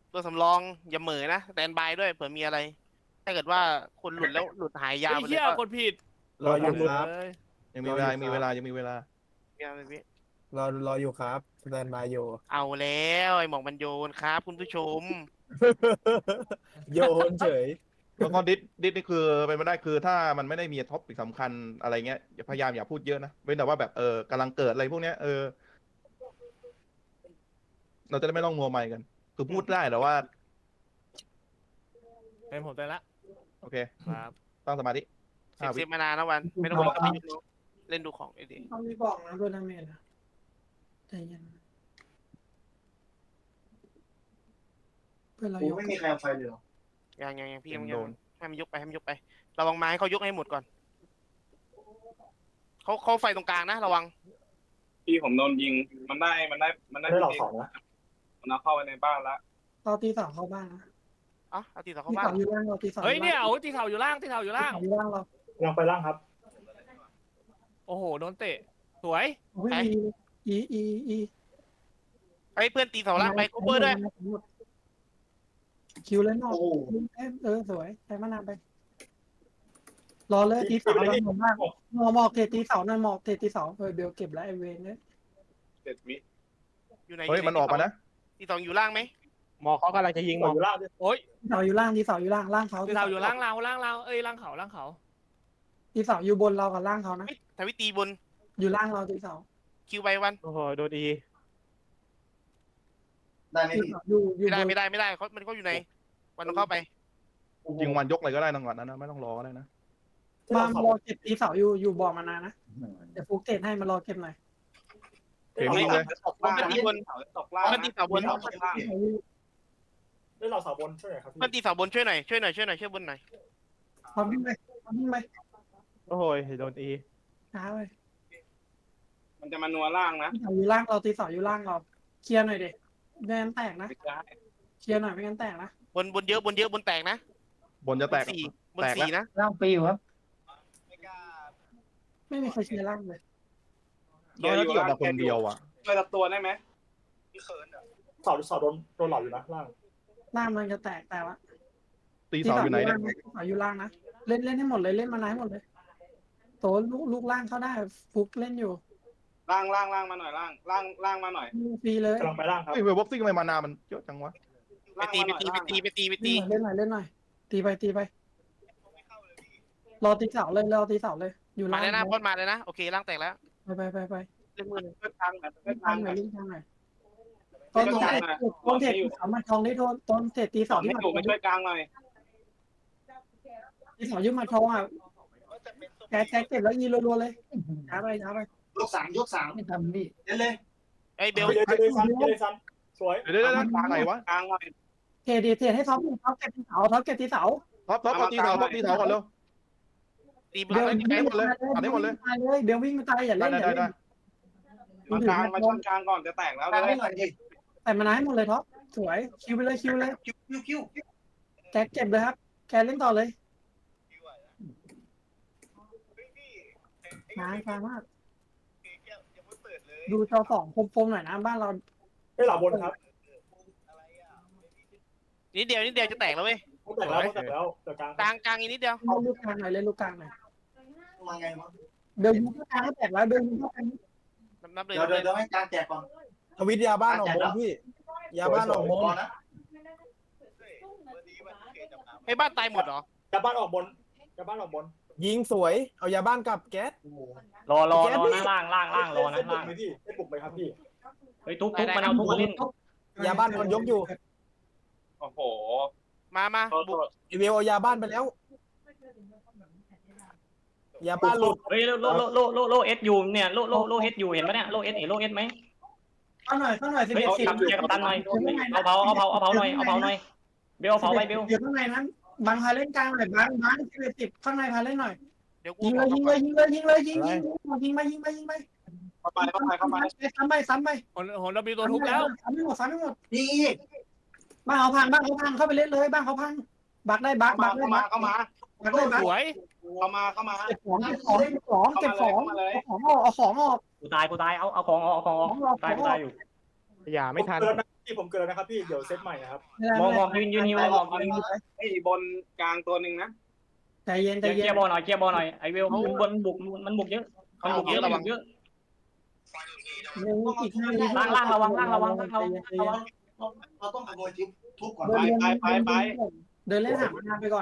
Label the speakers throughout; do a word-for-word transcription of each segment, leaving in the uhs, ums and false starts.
Speaker 1: ตัวสำรองอย่าเหม่อนะสแตนบายด้วยเผื่อมีอะไรถ้าเกิดว่าคนหลุดแล้วหลุดหายยาว
Speaker 2: เฮ้ยเฮีย
Speaker 1: ไปเลยก็
Speaker 2: กดผิด
Speaker 3: รออยู่ค
Speaker 2: เล
Speaker 3: รับ
Speaker 2: ย
Speaker 4: ยังมีเวลายังมีเวลายังมีเวลา
Speaker 1: มีอะไรพี่
Speaker 3: รอรออยู่ครับสแตนบายอยู่
Speaker 1: เอาแล้วไอ้หมองมันโยนครับคุณผู้ชม
Speaker 3: โยนเฉย
Speaker 4: แล้วก็ดิสดิสนี่คือเป็นไปได้คือถ้ามันไม่ได้มีท็อปปิกสำคัญอะไรเงี้ยอย่าพยายามอย่าพูดเยอะนะเว้นแต่ว่าแบบเออกำลังเกิดอะไรพวกเนี้ยเออเราจะได้ไม่ต้องมัวไมค์กัน คือพูดได้แต่ว่า
Speaker 2: เป็นผมแต่ละ
Speaker 4: โอเค
Speaker 2: ครับ
Speaker 4: ตั้งสมาธิ
Speaker 1: เซ
Speaker 4: ห้า
Speaker 1: ฟเซ
Speaker 4: วิ
Speaker 1: ฟมานานนะวัน ไม่ต้องกลัวกับพี่ยุทธเล่นดูของไอ้ดิ
Speaker 5: เขามีบอกนะตัวดาเมจนะใจเย็นเพื่อนเรายก
Speaker 6: ไม่มีใครเอาไฟเลยหรอ
Speaker 1: ยังยังยังพี่ยัง
Speaker 4: โด
Speaker 1: ยัง
Speaker 4: น
Speaker 1: ให้มันยกไปให้มันยกไประวังไม้เขายกให้หมดก่อนเขาเขาไฟตรงกลางนะระวัง
Speaker 7: พี่ผมโดนยิง มันได้ มันได้ มันได้
Speaker 6: ได้หลอกสองนะ
Speaker 7: มันเอาเข้าไปในบ้านละ
Speaker 5: เราตีสองเข้าบ้านนะ
Speaker 1: อ๋อเอาตีต่อเข้า
Speaker 5: ตี
Speaker 1: บ้า
Speaker 5: สอน งอยู่ล่างเราตีสอง
Speaker 2: เฮ้ยเนี่ยเอาที่เข่าอยู่ล่างที่เข่าอยู่
Speaker 5: ตี
Speaker 2: ล่าง
Speaker 5: สองอยู่ล่างเรา
Speaker 6: ยังไปล่างครับ
Speaker 2: โอ้โหโดนเตะสวย
Speaker 5: โอ้ยอีอีอี
Speaker 1: ไอ้เพื่อนตีเสาล่างไปคูเปอร์ด้วย
Speaker 5: คิวเลยนอก
Speaker 6: โอ้
Speaker 5: เออสวยใช้มานานไป รอเลยตีเสาเราหมดมากหมอกหมอกเทตีเสาหน่อยหมอกเทตีเสาเออเบลเก็บแล้วไอเวนเนี่ย
Speaker 7: เจ็ดวิ
Speaker 1: อยู่ไหน
Speaker 4: เฮ้ยมันออกมานะ
Speaker 1: ตีสองอยู่ล่างไหม
Speaker 8: หมอเขากำลังจะยิงหมอ
Speaker 6: อยู่ล่างด้วย
Speaker 2: โอ้ย
Speaker 5: เสาอยู่ล่างตีเสาอยู่ล่างล่างเขา
Speaker 2: ที่เข่าอยู่ล่างเราล่างเราเอ้ยล่างเขาล่างเขา
Speaker 5: ตีเสาอยู่บนเรากับล่างเขานะ
Speaker 1: เฮ้ยทวิตีบน
Speaker 5: อยู่ล่างเราตีเสา
Speaker 1: คิวไปวัน
Speaker 8: โอ้โหโดนอี
Speaker 6: ได้ไหม
Speaker 5: ตี
Speaker 6: พี่
Speaker 5: เสาอยู่อยู่
Speaker 1: ไม่
Speaker 5: บ
Speaker 1: ได้
Speaker 5: น
Speaker 1: ไม่ได้ไม่ได้เขามันเขาอยู่ในวันต้องเข้าไป
Speaker 4: ยิงวันยกเลยก็ได้นะก่อนนั้นนะไม่ต้องรอก็ได้นะ
Speaker 5: มามารอเก็บตีเสาอยู่อยู่บ่อมานานนะเดี๋ยวฟุกเตะให้มารอเก็บหน่อย
Speaker 4: เห็นวิ่งเลย
Speaker 7: ตกล่าง
Speaker 1: มันตีบน
Speaker 7: ตกล่าง
Speaker 1: มันตีเสาบน
Speaker 7: ตกล่าง
Speaker 6: ได้หลอกเสาบนช่วยหน่อยครับพี่
Speaker 1: มันตีเสาบนช่วยหน่อยช่วยหน่อยช่วยหน่อยช่วยบนหน่อย
Speaker 5: พร้อมวิ่งไปพร้อมวิ่งไป
Speaker 8: โอ้โหโดนอี
Speaker 5: ช้าไป
Speaker 7: มันจะมานัวล่างนะ
Speaker 5: ตีเสาอยู่ล่างเราตีเสาอยู่ล่างเราเคลียร์หน่อยเด็ไม่งั้นแตกนะ
Speaker 7: ไม่ได้
Speaker 5: เคลียร์หน่อยไม่งั้นแตกนะ
Speaker 1: บนบนเยอะบนเยอะบนแตกนะ
Speaker 4: บนจะแตก
Speaker 1: สี่บน
Speaker 4: แตกแล้ว
Speaker 1: สี่นะ
Speaker 5: ล่างปีอยู่ครับไม่มีใครเคลียร์ล่างเลย
Speaker 4: โดนที่ออกมาคนเดียวอ่ะ
Speaker 7: ช่วยรับตัวได้ไหม
Speaker 6: เสาเสาโดนโดนหลอกอยู่นะล่าง
Speaker 5: ล่างมันจะแตกแต่ว่า
Speaker 4: ตีเสาอยู่ไหนเนี่ย
Speaker 5: ตีเสาอยู่ล่างนะเล่นเล่นให้หมดเลยเล่นมานานให้หมดเลยโตลูกลูกล่างเข้าได้ฟุกเล่นอยู่
Speaker 7: ล่างล่างล่างมาหน่อยล่าง ล่างล่างมาหน่อย
Speaker 5: ฟรีเลย
Speaker 6: กำลังไปล่างครับ
Speaker 4: เฮ้ยเวลบ็อกซิ่งทำไมมานามันเยอะจังวะ
Speaker 1: ไปตีไปตีไปตีไปตีไปตี
Speaker 5: เล่นหน่อยเล่นหน่อยตีไปตีไปรอตีเสาเลยรอตีเสาเลยอยู่
Speaker 1: มา
Speaker 5: ล่าง
Speaker 1: เลยนะพ่นมาเลยนะโอเคล่างแตกแล้ว
Speaker 5: ไปไปไปไป
Speaker 1: เล่นมือ
Speaker 7: เพื่อทางหน่อยเพื่
Speaker 5: เล่
Speaker 7: อน
Speaker 5: ทา
Speaker 7: ทาง ง
Speaker 5: ห
Speaker 7: ห
Speaker 5: น่
Speaker 7: น่
Speaker 5: อ
Speaker 7: อย ย
Speaker 5: เล่นทางหน่อยต้นต้นเทต้นเทตีเสามันทองได้โทนต้นเทตี
Speaker 7: ส
Speaker 5: เสา
Speaker 7: อน
Speaker 5: ที่
Speaker 7: ให้
Speaker 5: มา
Speaker 7: ถูกมาช่วยกลางหน่อย
Speaker 5: ตีเสายืมมาทองอ่ะแกแกเก็บแล้วยีรัวๆเลยช้าไปช้าไป
Speaker 6: ยกสามยกสาม
Speaker 5: ไม่ทำดิ
Speaker 6: เล่นเลย
Speaker 1: ไอ้เบล
Speaker 6: เดี๋ยวเดี๋ยวซันเดี๋ยวซันสวย
Speaker 4: เดี๋ยวเดี๋ยวเดี๋ยวไหนวะ
Speaker 7: กลางหน่อย
Speaker 5: เทดีเทให้ท็อปท็อปเก็บตีเสาท็อปเก็บตีเสา
Speaker 4: ท็อปท็อปเอาตีเสาท็อปตีเสาก่อนเร็ว
Speaker 1: ตีบ
Speaker 5: เบ
Speaker 1: น
Speaker 5: ล
Speaker 1: เลย
Speaker 5: วิ่ง
Speaker 4: หมดเลยตัดให้หมดเลย
Speaker 5: ตายเลยเบลวิ่งมาตายอย่า
Speaker 4: ได้
Speaker 5: เล่นอ
Speaker 4: ได้
Speaker 5: ย่า
Speaker 4: ได้
Speaker 5: เล่
Speaker 4: ได้
Speaker 5: น
Speaker 7: มากลางมาชนกลางก่อนจะแตกแล้ว
Speaker 6: กลาง
Speaker 7: เล
Speaker 6: ให้
Speaker 7: ย
Speaker 6: หน่อยดิ
Speaker 5: แต่มานาให้หมดเลยท็อปสวยคิวไปเลยคิวเลย
Speaker 6: คิวคิวคิว
Speaker 5: แกเก็บเลยครับแกเล่นต่อเลยนานมากดูจอสองคมๆหน่อยนะบ้านเรา
Speaker 6: ได้หลอกบนครับ
Speaker 1: นิดเดียวนิดเดียวจะแตกแล้วเว้ย
Speaker 6: เขาแตกแล้วเขาแตกแล้วเดี๋ยวกลาง
Speaker 1: กลางกลางอีกนิดเดียว
Speaker 5: เล่นลูกกลางหน่อยเล่นลูกกลางหน่อย
Speaker 6: มาไงวะ
Speaker 5: เดินลูกกลางก็แตกแล้วเดินลูกกลาง
Speaker 1: นับนับเลย
Speaker 6: เดี๋ยวเดี๋ยวเดี๋ยวให้กลางแจกก่อน
Speaker 3: ทวิตยาบ้านออกมงพี่ยาบ้านออกมง
Speaker 6: ก่อนนะ
Speaker 1: ไอ้บ้านตายหมดเหรอ
Speaker 6: จะบ้านออกบนจะบ้านออกบน
Speaker 3: ยิงสวยเอายาบ้านกลับแก๊ส
Speaker 8: รอรอรอนะล่างล่างล่างรอนะล่าง
Speaker 6: ไม่พี่ไม่ปลุกไหมครับพี่
Speaker 8: เฮ้ยทุบทุบมันเอาทุบมาเล่น
Speaker 3: ยาบ้านคนยกอยู่
Speaker 7: โอ้โห
Speaker 1: มามา
Speaker 7: โทษ
Speaker 1: บุ
Speaker 7: โท
Speaker 1: ก
Speaker 7: ษ
Speaker 3: อีเวลเอายาบ้านไปแล้วยาบ้านหลุด
Speaker 8: เฮ้ยโลโลโลโลโลเอสอยู่เนี่ยโลโลโลเอสอยู่เห็นปะเนี่ยโลเอสเห็นโลเอสไหม
Speaker 5: เข้าหน่อยเข้าหน่อยสิบ
Speaker 8: เฮ้ย
Speaker 5: เอ็ดสิบ
Speaker 8: ทำเกียร์กับตันหน่อยเอาเผาเอาเผาเอาเผาหน่อยเอาเผาหน่อยเบลเอาเผาไปเบล
Speaker 5: อยู่ข้างในนั้นบางพาเล่นกลางหน่อยบางบางสิบเอ็ดสิบข้างในพาเล่นหน่อย
Speaker 1: เดี๋ยวกู
Speaker 5: ยิงเลยยิงเลยยิงเลยยิงเลยยิงยิงยิงไปยิงไปยิงไป
Speaker 7: เข้าไปเข้าไปเข้าไป
Speaker 5: ซ้ำไปซ้ำไป
Speaker 2: หนหนเรามีตัวทุบแล้ว
Speaker 5: ซ้ำไม่หมดซ้ำไม่หมด
Speaker 6: นี่
Speaker 5: บ้านเขาพังบ้านเขาพังเข้าไปเล่นเลยบ้านเขาพังบักได้บัก
Speaker 7: เข้า
Speaker 5: บั
Speaker 7: มาก
Speaker 5: ได้
Speaker 7: เข้ามา
Speaker 5: บัก
Speaker 7: เข้ามา
Speaker 5: บักได้บัก
Speaker 2: สวย
Speaker 7: เข้ามาเข้ามา
Speaker 5: เก็บของเก็บของเก็บของเก็บของเอาของออกเอาของออก
Speaker 8: กูตายกูตายเอาเอาของออกเอาของออก
Speaker 5: ของออก
Speaker 8: ตายกูตายอยู่อย่าไม่ทัน
Speaker 6: เกินนะพี่ผมเกินนะครับพี่เดี๋ยวเซตใหม่นะครับ
Speaker 8: มองมองยืนยืนฮิวเลยมองยืน
Speaker 7: ไอ้บนกลางตัวหนึ่งนะ
Speaker 5: ใจเย็นใจ
Speaker 8: เคลี
Speaker 5: เย็
Speaker 8: ย
Speaker 5: น
Speaker 8: ร์บอลหน่อยเคลียร์บอลหน่อยไอเวลมันบนบุกมันบุกเยอะมันบุกเยอะมันบุกเยอะ
Speaker 5: อีกห้าวิ
Speaker 8: ล่างล่างระวังล่างระวังล่างระวังระวัง
Speaker 6: เราต้องขโมยทิปทุบก่อน
Speaker 5: เดินเล่นหามาไปก่อน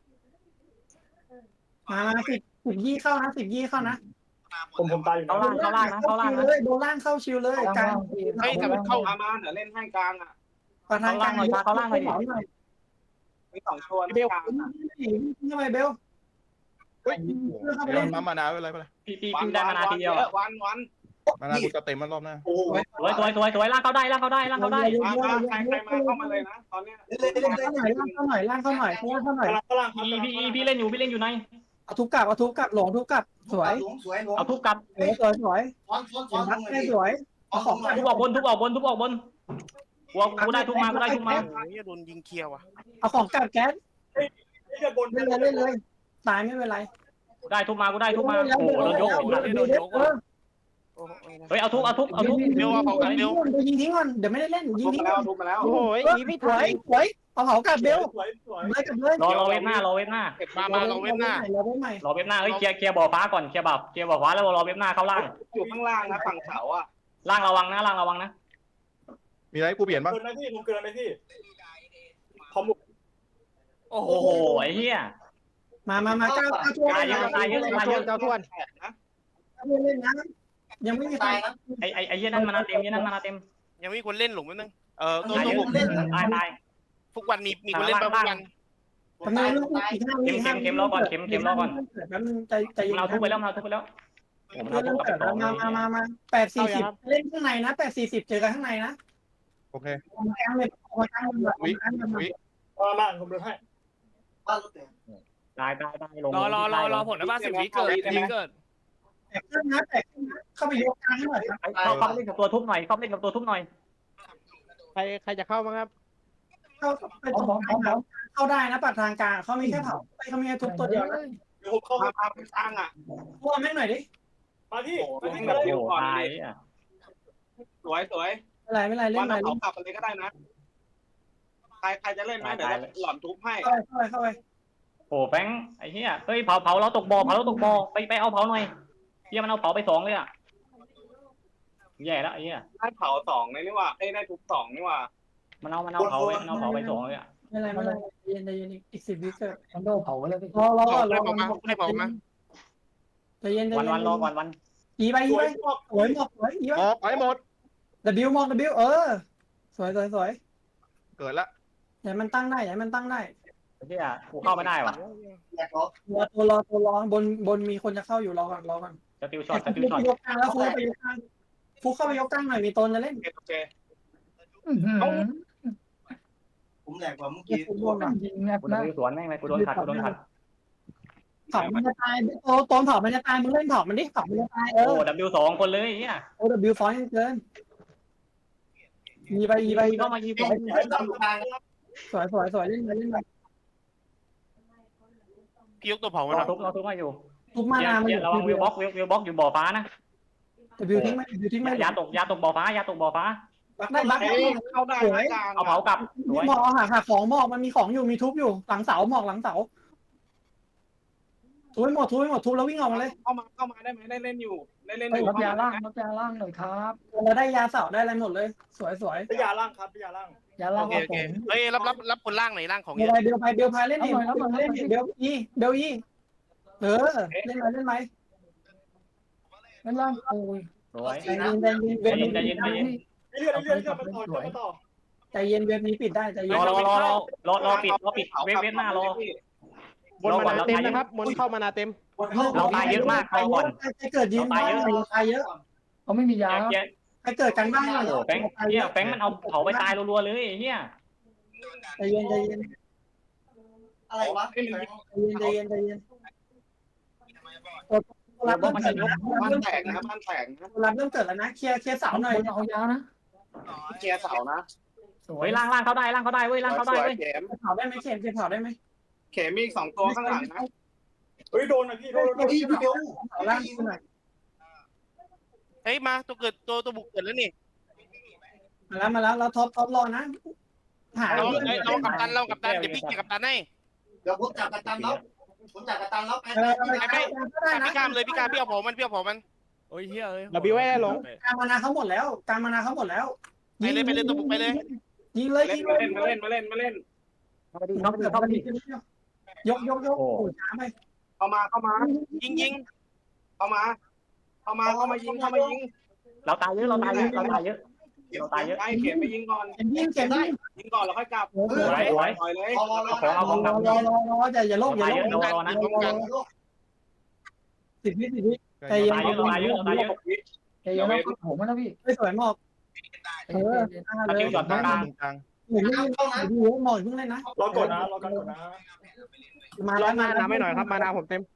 Speaker 5: มามาสิบสิบยี่เข้านะสิบยี่เข้านะ
Speaker 6: ผมผมตายอยู่
Speaker 8: เข้าล่างเข้าล่างนะเข้าล่างนะ
Speaker 5: เลยโดนล่างเข้าชิวเลยกลาง
Speaker 1: เฮ้ยถ้ามันเข้า
Speaker 7: มามาเดี๋ยวเล่นให้กลางอ่ะ
Speaker 5: ประธานกลางหน่อยเข้าหน่อย
Speaker 7: มีสองตัวนะกลาง
Speaker 5: ทำไมเบล
Speaker 4: เฮ้ยเดี๋ยวปั๊มมานาไว้อะไรไปเลย
Speaker 8: พี่พี่พี่ได้มานาทีเดียว
Speaker 7: วันวัน
Speaker 4: มานากูจะเต็มมันรอบหน้า
Speaker 6: โอ้โห
Speaker 8: สวยสวยสวยสวยล่างเข้าได้ล่างเข้าได้ล่างเข้าได้
Speaker 7: มามาใครใครมาเข้ามาเลยนะตอนเนี้ย
Speaker 5: ล่างเข้าหน่อยล่างเข้าหน่อยล่างเข้าหน่อยเข้าหน่อย
Speaker 6: กำลังกำลัง
Speaker 8: พี่พี่พี่เล่นอยู่พี่เล่นอยู่ใน
Speaker 5: เอาทุบกลับเอาทุบกลับหลงทุบกลับสวย
Speaker 6: สวยหลวง
Speaker 8: เอาทุบกลับ
Speaker 5: สวยสวยสวย
Speaker 6: ซ้อนซ้อน
Speaker 5: ส
Speaker 6: ซ้อน
Speaker 5: วยสวยเอาของ
Speaker 8: ทุบออกบนทุบออกบนทุบออกบนกูกูได้ทุบมากูได้ทุบมา
Speaker 1: โอ้ยโดนยิงเคลียร์ว่ะ
Speaker 5: เอาของกลับแก๊ส
Speaker 6: นี่จะบน
Speaker 5: เล่นเลยเล่นเลยตายไม่เป็นไร
Speaker 8: กูได้ทุบมากูได้ทุบมาโอ้โหโดนยก
Speaker 2: โดนยกว่ะ
Speaker 1: โอ้โห
Speaker 8: เฮ้ยเอาทุบเอาทุบเอาทุบ
Speaker 5: เดี๋ยวยิงทิ้งก่อนเดี๋ยวไม่ได้เล่นยิง
Speaker 7: ทุบ
Speaker 5: ทิ้
Speaker 7: มาง แล้วทุบมาแล้ว
Speaker 5: โอ้ยยิงไม่ทันสวยเอาเผากลับเบล
Speaker 6: สวยสวย
Speaker 5: เลยกลับเลย
Speaker 8: รอรอเว็บหน้ารอเว็บหน้า
Speaker 1: มามาเราเว้นหน้า
Speaker 5: เราเว้นใหม่
Speaker 8: รอเว็บหน้าเฮ้ยเคลียร์เคลียร์บ่อฟ้าก่อนเคลียร์บ่อเคลียร์บ่อฟ้าแล้วรอเว็บหน้าเข้าล่าง
Speaker 7: อยู่ข้างล่างนะฝั่งเสาอ่ะ
Speaker 8: ล่างระวังนะล่างระวังนะ
Speaker 4: มีอะไรกูเปลี่ยนบ้าง
Speaker 6: เกินไหมพี่ผมเกินไหมพี่พอม
Speaker 2: โอ้โห
Speaker 8: โอ้โหไอ้เหี้ย
Speaker 5: มามามาก้าวก้าวช่วย
Speaker 8: ตายเยอะตายเยอะตายเยอะ
Speaker 1: เจ้าทวน
Speaker 7: แตกนะ
Speaker 5: เล่นนะยังไม่มีใคร
Speaker 8: ไอ้ไอ้ไอ้เหี้ยนั่นมานาเต็มเหี้ยนั่นมานาเต็ม
Speaker 1: ยังมีคนเล่นหลุมนิดนึงเออตัว
Speaker 8: ตาย
Speaker 1: ตัว
Speaker 8: เย
Speaker 1: บุ
Speaker 8: อะ
Speaker 1: ก
Speaker 8: ตายตาย
Speaker 1: ทุกวันมีมีคนเล่นบ้างทุกวัน
Speaker 5: ทำไมลูกอีกห้าวิใจใจ
Speaker 8: มันเอาทุบไปแล้วมันเอาทุบไปแล้วโอ้มันเอาทุบกลับไปสอง
Speaker 5: มามามามาแปดสี่สิบเล่นข้างในนะแปดสี่สิบเจอกันข้างในนะ
Speaker 4: โอเค
Speaker 5: กลางเลยกลางเลย
Speaker 4: วิวิ
Speaker 6: มามาผมเดินให้
Speaker 8: ตายตายตายลง
Speaker 2: รอรอรอรอผลนะบ้านสิบวิเกิดสิบวิเกิด
Speaker 5: แตกขึ้นนะแตกขึ้นนะเข้าไปยกกลางให้หน่อยครับ
Speaker 8: เข้าเข้าเล่นกับตัวทุบหน่อยเข้าเล่นกับตัวทุบหน่อย
Speaker 1: ใครใครจะเข้าบ้างครับ
Speaker 5: เข้าไปตรงกลางเข้าได้นะปัดทางกลางเขามีแค่เผาเขามีแค่ทุบตัวเดียวนะ
Speaker 6: เดี๋ยวผมเข้า
Speaker 7: มาพาไปสร้างอ่ะ
Speaker 5: พวกแม่งหน่อยดิ
Speaker 6: มาพี่
Speaker 7: โอ้
Speaker 6: มา
Speaker 7: โห
Speaker 6: ที่
Speaker 7: แบบ
Speaker 6: เลย
Speaker 7: เดียวก่อน
Speaker 8: ตาย
Speaker 7: ดิ
Speaker 8: อ่ะ
Speaker 7: สวยสวย
Speaker 5: อะไรไม่ไรเล่
Speaker 7: วัน น
Speaker 5: หน่อย
Speaker 7: เผากลับไปเลยก็ได้นะใครใครจะเล่นไหมเดี๋ยวหล่อนทุบให้
Speaker 5: เข้าไปเข้าไปเข้าไป
Speaker 8: โอ้แฟงไอ้เหี้ยเฮ้ยเผาเผาเราตกบ่อเผาเราตกบ่อไปไปเอาเผาหน่อยเหี้ยมันเอาเผาไปสองเลยอ่ะแย่แล้วไอ้เหี้ย
Speaker 7: ได้เผาสองเลยนี่ว่าเอ้ได้ทุบสองนี่ว่า
Speaker 8: มันเอามันเอาเผามันเอาเผาไปสองเลยอ่ะ
Speaker 5: ไม่ไรไม่ไรเย็นเย็นอีกสิบวิเกิด
Speaker 9: มันโดนเผาแล้วพี่
Speaker 5: รอรอ
Speaker 1: บอก
Speaker 5: ร
Speaker 1: ได้
Speaker 5: อ
Speaker 1: บอกมาได้บอกมา
Speaker 5: ใจเย็นใจ
Speaker 8: วัน
Speaker 5: เย็น
Speaker 8: วันรอก่อนวัน
Speaker 5: อีไปอีไปสวยหมดสวยอีไป
Speaker 4: ออกไปหมด
Speaker 5: W มอง W เออสวยสวยสวย
Speaker 4: เกิดละ
Speaker 5: อย่ามันตั้งได้อย่ามันตั้งได้
Speaker 8: ไอ้เหี้ยกูเข้าไม่ได้ว่ะ
Speaker 5: รอตัวรอตัวรอบนบนมีคนจะเข้าอยู่รอก่อนรอก่อน
Speaker 8: สติลช็อตสติลช็อต
Speaker 5: ยกกลางแล้วฟูไปยกกลางฟูเข้าไปยกกลางหน่อยมีตนจะเล่น
Speaker 7: โอเคโอเค
Speaker 6: ผมแหลกกว่าเมื่อ
Speaker 5: เก็บ
Speaker 6: กี้
Speaker 5: ฟุตบอลก่อน
Speaker 9: ยิงแนบ
Speaker 8: กู
Speaker 9: หน้า
Speaker 8: โดนสวนแม่งเลยกูโดนขัดกูโดนขัด
Speaker 5: เผามันจะตายโตตนเผามันจะตายมึงเล่นเผามันดิเผามันจะตายเอ
Speaker 8: โอ้
Speaker 5: อ
Speaker 8: ดับบิวสองคนเลยไอ้เหี้ย
Speaker 5: โอ W ฟอนต์เกินอีไปอีไป
Speaker 8: เข้ามายิง
Speaker 5: สวยสวยสวยเล่นไปเล่นไป
Speaker 1: พี่ยกตัวเผาร มาห
Speaker 8: อ
Speaker 1: น่อย
Speaker 8: ทุบรอทุบมาอยู่
Speaker 5: ทุกมานามัน
Speaker 8: เหี้ยระวังวิวบล็อกวิววิวบล็อกอยู่บ่อฟ้านะ
Speaker 5: W ทิ้งไหม W ทิ้งไหม
Speaker 8: ยาตกยาตกบ่อฟ้ายาตกบ่อฟ้า
Speaker 5: บักได้บักได้
Speaker 7: เข้าได้กลาง
Speaker 8: เอาเผากลับสวย
Speaker 5: หมอกหาหาของหมอกมันมีของอยู่มีทุบอยู่หลังเสาหมอกหลังเสาทุบหมดทุบหมดทุบแล้ววิ่งออกมาเลย
Speaker 7: เข้ามาเข้ามาได้ไหมได้เล่นอยู่ได้เล่นอ
Speaker 9: เฮ้ย
Speaker 7: ยู่
Speaker 9: รับยาล่างรับยาล่างหน่อยครับ
Speaker 5: เราได้ยาเสาได้อะไรหมดเลย สวยสวย
Speaker 6: พยาล่างครับพยาล่าง
Speaker 9: ยาล่า
Speaker 1: โอง เคโอ
Speaker 9: ผ
Speaker 1: เค
Speaker 9: ม
Speaker 1: เฮ้ยรับรับรับคนล่างหน่อยล่างของ
Speaker 5: เดี๋
Speaker 1: เย
Speaker 5: ยว
Speaker 1: อะ
Speaker 5: ไปเดี๋ยวไปเดี๋ยวพายเล่นเองเล่นเดี๋ยวอีเดี๋ยวอีเออเล่นไหมเล่นไหม
Speaker 9: นั่นล่างโอ้ย
Speaker 8: สวย
Speaker 5: ใจเย็นใจเย็นเว็บนี้
Speaker 8: ใจเย็นใจเย็น
Speaker 6: เรื่อยเรื่อยเรื่อยมันต่อมันต่อ
Speaker 5: ใจเย็นเว็บนี้ปิดได้ใจเย็
Speaker 8: ร
Speaker 5: น
Speaker 8: อรอรอรอรอรอปิดรอปิดเว็บเว็บหน้ารอบ
Speaker 1: นมานาเต็มนะครับบนเข้ามานาเต็ม
Speaker 8: เราตายเยอะมากรอก่อน
Speaker 5: ใครเกิดยืนบ้านตายเยอะ
Speaker 9: เขาไม่มียา
Speaker 8: เหี้ย
Speaker 5: ใครเกิดกันบ้าน
Speaker 8: โอ้แฟงเหี้ยแฟงมันเอาเผาไปตายรัวๆเลยเหี้ย
Speaker 5: ใจเย็นใจเย็น
Speaker 6: อะไรวะ
Speaker 5: ใจเย็นใจเย็นใจเย็นรับเริ่ม
Speaker 8: มัน
Speaker 5: เกิ
Speaker 8: จะ
Speaker 5: ด
Speaker 8: ยก
Speaker 7: บ้านแตกนะบ้านแตกนะ
Speaker 5: รับเริ่มเกิดแล้วนะเคลียร์เคลียร์เสาหน่อย
Speaker 9: เอายานะ
Speaker 7: เกียร์เสานะ
Speaker 9: สว
Speaker 8: เฮ้
Speaker 9: ย
Speaker 8: ยล่างล่างเข้าได้ล่างเข้าได้เว้ยล่างเข้าได้เว้ย
Speaker 7: เข็ม
Speaker 5: เผาได้ไหมเข็มเผาได้ไหม
Speaker 7: เข็มมีอีกสองตัวข้างหลังนะ
Speaker 6: เฮ้ยโดนนะพี่โดนโดนพี่เดียว
Speaker 5: เผาล่างหน่อย
Speaker 1: เฮ้ยมาตัวเกิดตัวตัวบุกเกิดแล้วนี่
Speaker 5: มาแล้วมาแล้วเราท็อปท็อปรอนะหา
Speaker 1: เรา
Speaker 5: เพื่อน
Speaker 1: เอ้ยเรากับตันเรากับตันเดี๋ยวพี่เกี่ยวกับตันให้
Speaker 7: เดี๋ยวผมจับกัปตันแล้วผมจับกัปตันแล้วไป
Speaker 5: เออไปไปก็ได้นะ
Speaker 1: พี่กามเลยพี่กามพี่เอาผมมันพี่เอาผมมัน
Speaker 2: โอ้ยเฮียเอ้ย
Speaker 3: ดับบิวไว้ได้หลง
Speaker 5: การมานาเขาหมดแล้วการมานาเขาหมดแล้ว
Speaker 1: ไปเลยไปเลยตัวบุกไปเลย
Speaker 5: ยิงเลย
Speaker 7: เล่
Speaker 5: ยิ
Speaker 7: น
Speaker 5: ง
Speaker 7: มา
Speaker 5: เลย
Speaker 7: เล่นมาเล่นมาเล่นมาเล่น
Speaker 5: เข้าไปดิเข้าไปดิเข้าไปดิยกยกยกโอ้ช้าไป
Speaker 7: เข้ามาเข้ามา
Speaker 1: ยิงยิง
Speaker 7: เข้ามา เข้ามาเข้ามายิงเข้ามายิง
Speaker 8: เราตายเยอะเราตายเยอะเราตายเยอะ
Speaker 7: เราตายเยอะไอ้เข็มไปยิงก่อน
Speaker 5: เก็บยิงเก็บยิง
Speaker 7: ยิงก่อนแล้วค่อยกลับ
Speaker 8: สวยสวย
Speaker 7: ปล่อยเลย
Speaker 8: เอาของเอาของกลับ
Speaker 5: รอรอรออย่าอย่าโลกอย่า
Speaker 8: ตาย
Speaker 5: โล
Speaker 8: เย
Speaker 5: ก
Speaker 8: อะรอรอนะ
Speaker 1: ป้องกัน
Speaker 5: สิบวิสิบวิใจ
Speaker 8: เรา
Speaker 5: เย็น
Speaker 8: ตายเยอะเราตายเยอะเราตายเยอะ
Speaker 9: ใจเย็นนะผมนะพี่
Speaker 5: ไม่สวยหมอก
Speaker 9: ใจ
Speaker 5: เอ
Speaker 9: เย็
Speaker 5: อน
Speaker 9: ใจเย็น
Speaker 5: เลย
Speaker 4: ตรงกลางตรงกลาง
Speaker 5: หมุนไม่เข้านะดูหมอกเพิ่งเล่นนะ
Speaker 6: รอกดนะรอกดนะ
Speaker 5: มาแล้วมาแล้ว
Speaker 3: ไม่หน่อยครับมานาผมเต็ม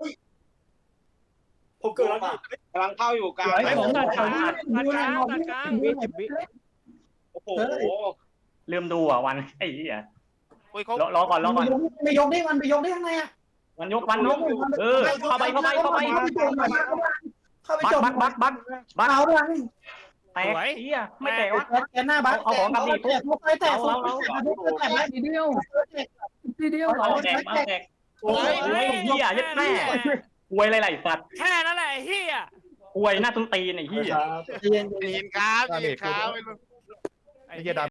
Speaker 6: ผมเกิดแล้วพี่
Speaker 7: กำลังเข้าอยู่กลาง
Speaker 2: ไอ้ผมตัดกลางตัดกลางตัดกลาง
Speaker 7: โอ้โห
Speaker 8: ลืมดูอ่ะวันไอ้เหี้ย
Speaker 1: โอ้ยเขา
Speaker 8: รอรอก่อนรอก่อน
Speaker 5: ไปยกได้มันไปยกได้ข้างในอ่ะ
Speaker 8: วันยกวันยกเออเข้าไปเข้าไปเข้าไป
Speaker 5: เข้าไป
Speaker 8: บัก
Speaker 5: จบ
Speaker 8: บักบักบักบัก
Speaker 5: เอาด้วย
Speaker 8: แตกเหี้ยไม่แตกวะ
Speaker 5: แกหน้าบัก
Speaker 8: เอาของกลับดิ
Speaker 5: แตกไปแตกแตกแล้ว
Speaker 9: ทีเดียวทีเดียว
Speaker 8: เอาแตกเอาแตกโอ้ยเหี้ยยัดแม่หวยอะไรๆสัตว์
Speaker 2: แค่นั้นแหละไอ้เฮีย
Speaker 8: หวยหน้าตุ้นตีนไอ้เหี้ย
Speaker 5: เย็น
Speaker 1: เห็นครับเห็นครับ
Speaker 4: ไอ้เหี้ยดำ